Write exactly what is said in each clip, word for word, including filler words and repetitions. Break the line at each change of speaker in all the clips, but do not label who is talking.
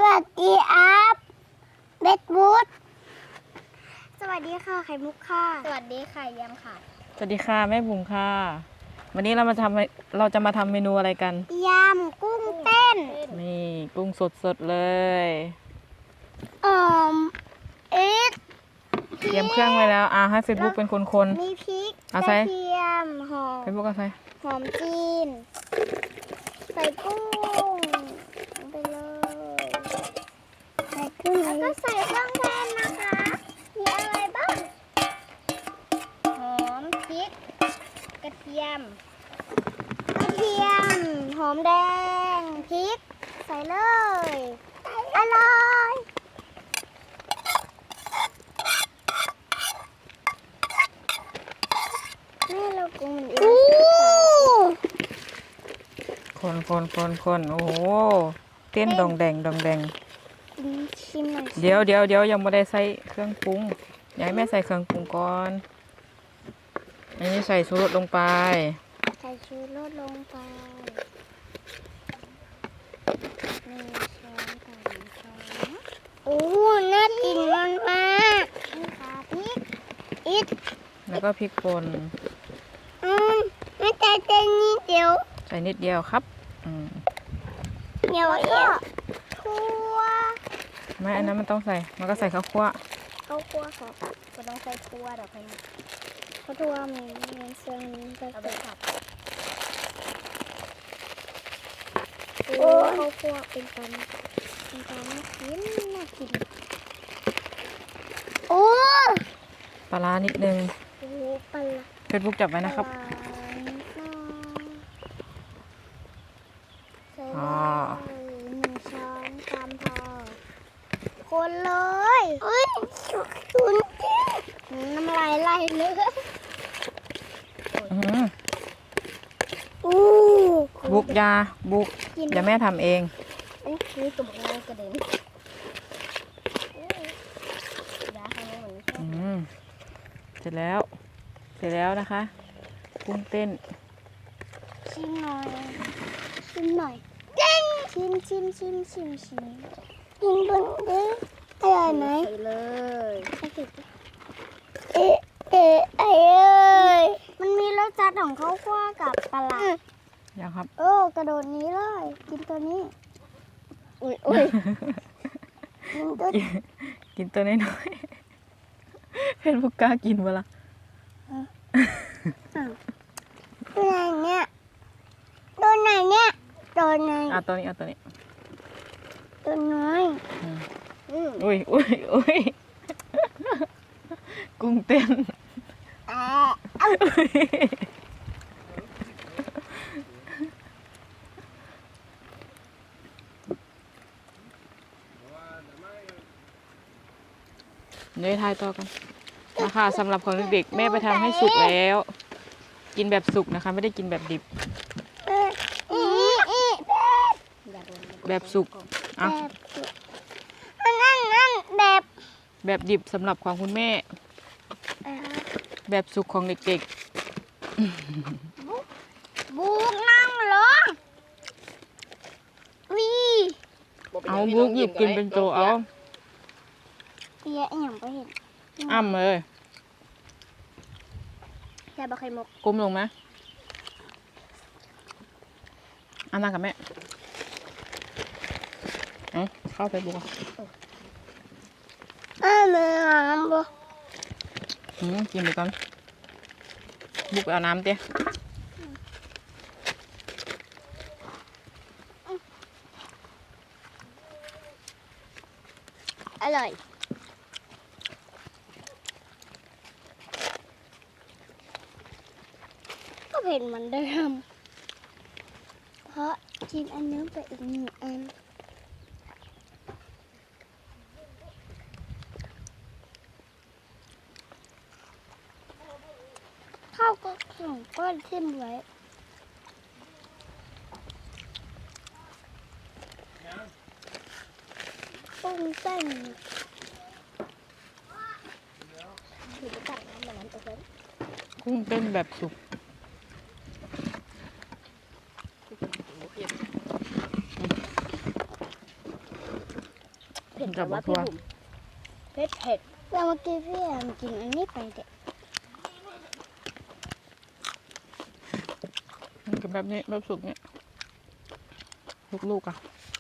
วัสดีอัพเบดวูดสวัสดีค่ะไข่มุกค่ะสวัสดีค่ะยำค่ะ
สวัสดีค่ะแม่บุ๋มค่ะวันนี้เรามาทำเราจะมาทำเมนูอะไรกัน
ยำกุ้งเต้น
นี่กุ้งสดสดเลย
เอ่อเอ็ด
เตรียมเครื่องไว้แล้วอ่าให้เฟซบุ๊กเป็นคน
ๆมีพริก
ๆเอา
ก
ใส่
ระเทียมหอม
เฟซบุ๊กเอาใส่
หอมจีนใส่กุ้งไปเลยใส่กุ้งแล้วก็ใส่เครื่องแทนนะคะมีอะไรบ้างหอมพริกกระเทียมกระเทียมหอมแดงพริกใส่เลยอร่อยแม่เรากุ้งมันเอง
คนคนคนคนโอ้โหเต้นดองแดงดองแดง
ชิมหน่อย
เดี๋ยวเดี๋ยวเดี๋ยวยังไม่ได้ใส่เครื่องปรุงอยากให้แม่ใส่เครื่องปรุงก่อนอันนี้ใส่ชูรสลงไป
ใส่ชูรสลงไปหนึ่งช้อนสองช้อนโอ้น่ากินมากมากนี่ค่ะพริกอิด
แล้วก็พริกป่น
อืมไม่ใช่แค่นิดเดียว
ใส่นิดเดียวครับอืม
เดี๋ยวก็ทั่ว
ไม่อันนั้นมันต้องใส่มันก็ใส่ข้าวคั่ว
ข้าวคั่วค่ะก็ต้องใส่ทั่วดอกไม้ข้าวทั่วมีเงินเสื่อมจะใส่ผัดโอ้ข้าวคั่วเป็นตันเป็นตันน่ากินน่ากินโอ้
ปลาร้านิดนึง
โอ้ปลา
เฟซบุ๊กจับไว้นะครับ
อ๋อหนึ่งช้อนตามพอคนเลยเฮ้ยชุนน้ำลายไหลเลย
อู้บุกยาบุกอย่าแม่ทำเอง
นี่คือตุ่มงากระเด็นยาให้หนู
อืมเสร็จแล้วเสร็จแล้วนะคะกุ้งเต้น
ชิมหน่อยชิมหน่อยเด้งชิมชิมชิมชิมชิมกินบนเด้งอร่อยไหมใส่เลยเอ๊ะเอ๊ะเอ้ยมันมีรสจัดของข้าวคั่วกับปลาร้า
ยังครับ
โอ้กระโดดนี้เลยกินตัวนี้อุ้ยอุ้ยกินตัว
กินตัวน้อยๆเพื่อนพวกกล้ากินเวลา
ตัวไหนเนี่ยตัวไหนเนี่ยตัวไหน
อ่ะตัวนี้อ่ะตัวนี้
ตัวน้อย
อุ้ยอุ้ยอุ้ยกุ้งเต้นเดี๋ยวทายต่อกันนะคะสำหรับของเด็กๆแม่ไปทำให้สุกแล้วกินแบบสุกนะคะไม่ได้กินแบบดิบแบบสุกอ่ะ
นั่นนั่นแบบ
แบบดิบสำหรับของคุณแม่แบบสุกของเด็ก
ๆบุกนั่งลงวี
เอาบุกหยิบกินเป็นโจเอา
เยอะอย่างไปเห็น
อ้ำเลย
แค่บะไข่มุก
ก้มลงไหมอันนั้นกับแม่เอ้าเข้าไปบุก
อ้าวน้ำบุก
อืมกินไปก่อนบุกเอาน้ำเตี้ย
อร่อยก็เผ็ดเหมือนเดิมเพราะกินอันนี้ไปอีกหนึ่งอันข้าวก็ส่งก้อนขึ้นไว้กุ้งเต้น
กุ้งเต้นแบบสุก
อ
ผ็ดแต่ว่าพี่บุ๋มเผ็ดเผ็ด
แล้วเมื่อกี้พี่แอมกินอันนี้ไปเด็ก
มันกินแบบนี้แบบสุกเนี่ยลูกๆอ่ะ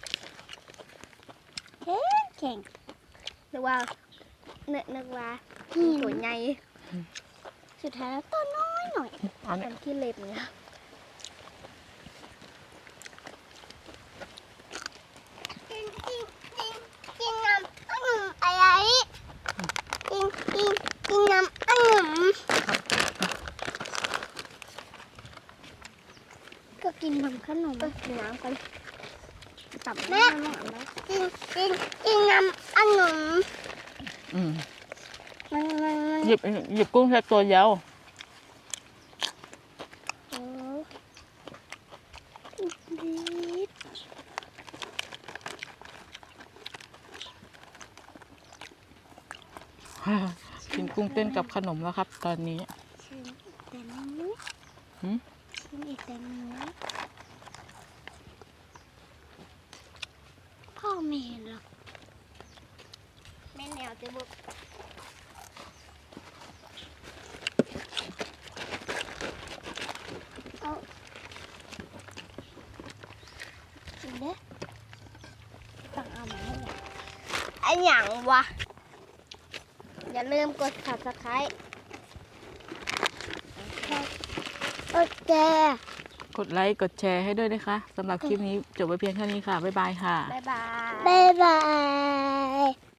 แข็งแข็ง
นึกว่านึกนึกว่า
หิน
ตัวใหญ่
สุดท้ายแล้วตัวน้อยหน่อย
อัน
อั
นี้
นที่เล็บเนี่ย
กินกินกินกินน้ำองุ่นอะไรกินกินกินน้ำองุ่นก็กินน้ำขนม
ก็กินน้ำกันตับ
แม่
น้ำน้ำ
กินกินกินน้ำองุ่น
อืม
มันมันมัน
หยิบหยิบกุ้งแค่ตัวเดียว
โอ้ดีด
กินกุ้งเต้นกับขนมแล้วครับ ตอนนี้
ชิมอีกแต่นี้
หืม
ชิมอีกแต่นี้พ่อไม่เห็นหรอก
แม่แนวจะบุก
กินเด้อต้องเอามาให้หน่อย
ไอ้หยังวะอย่าลืมกด ซับสไครบ์
โอเค
กดไลค์กดแชร์ให้ด้วยนะคะสำหรับคลิปนี้จบไว้เพียงเท่านี้ค่ะ บ๊ายบายค่ะ
บ๊ายบาย
บ๊ายบาย